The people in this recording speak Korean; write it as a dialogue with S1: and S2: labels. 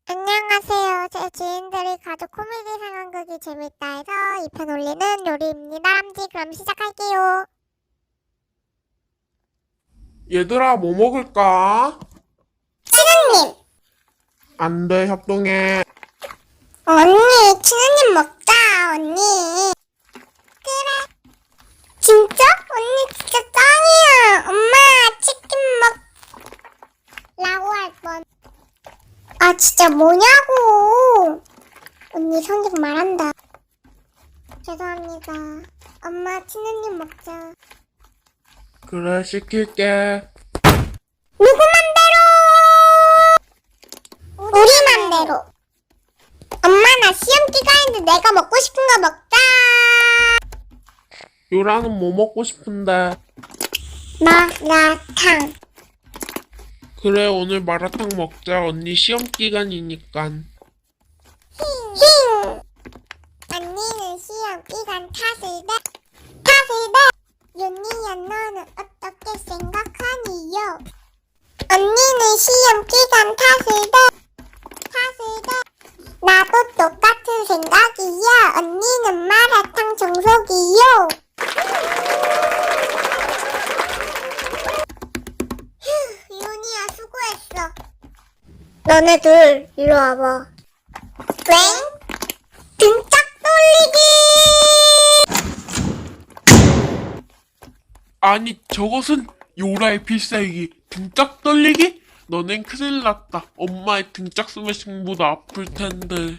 S1: 안녕하세요. 제 지인들이 가족 코미디 상황극이 재밌다 해서 2편 올리는 요리입니다. 함지 그럼 시작할게요.
S2: 얘들아, 뭐 먹을까?
S1: 친우님!
S2: 안 돼, 협동해.
S1: 언니, 친우님 먹자, 언니. 그래. 진짜? 언니 진짜 짱이야. 엄마, 치킨 먹... 라고 할 뻔. 아, 진짜 뭐냐고. 언니 성격 말한다. 죄송합니다. 엄마, 친우님 먹자.
S2: 그래, 시킬게.
S1: 누구 맘대로! 우리 맘대로. 엄마 나 시험 기간인데 내가 먹고 싶은 거 먹자.
S2: 유라는 뭐 먹고 싶은데?
S1: 마라탕.
S2: 그래, 오늘 마라탕 먹자. 언니 시험 기간이니깐.
S1: 힝. 언니는 시험 기간 탓을 대. 윤희야 너는 어떻게 생각하니요? 언니는 시험 기간 탓을 대. 나도 똑같은 생각이야. 언니는 마라탕 정석이요. 휴, 윤희야 수고했어. 너네들 이리 와봐. 꽹? 등짝 돌리기!
S2: 아니, 저것은 요라의 필살기. 등짝 떨리기? 너넨 큰일 났다. 엄마의 등짝 스매싱보다 아플 텐데.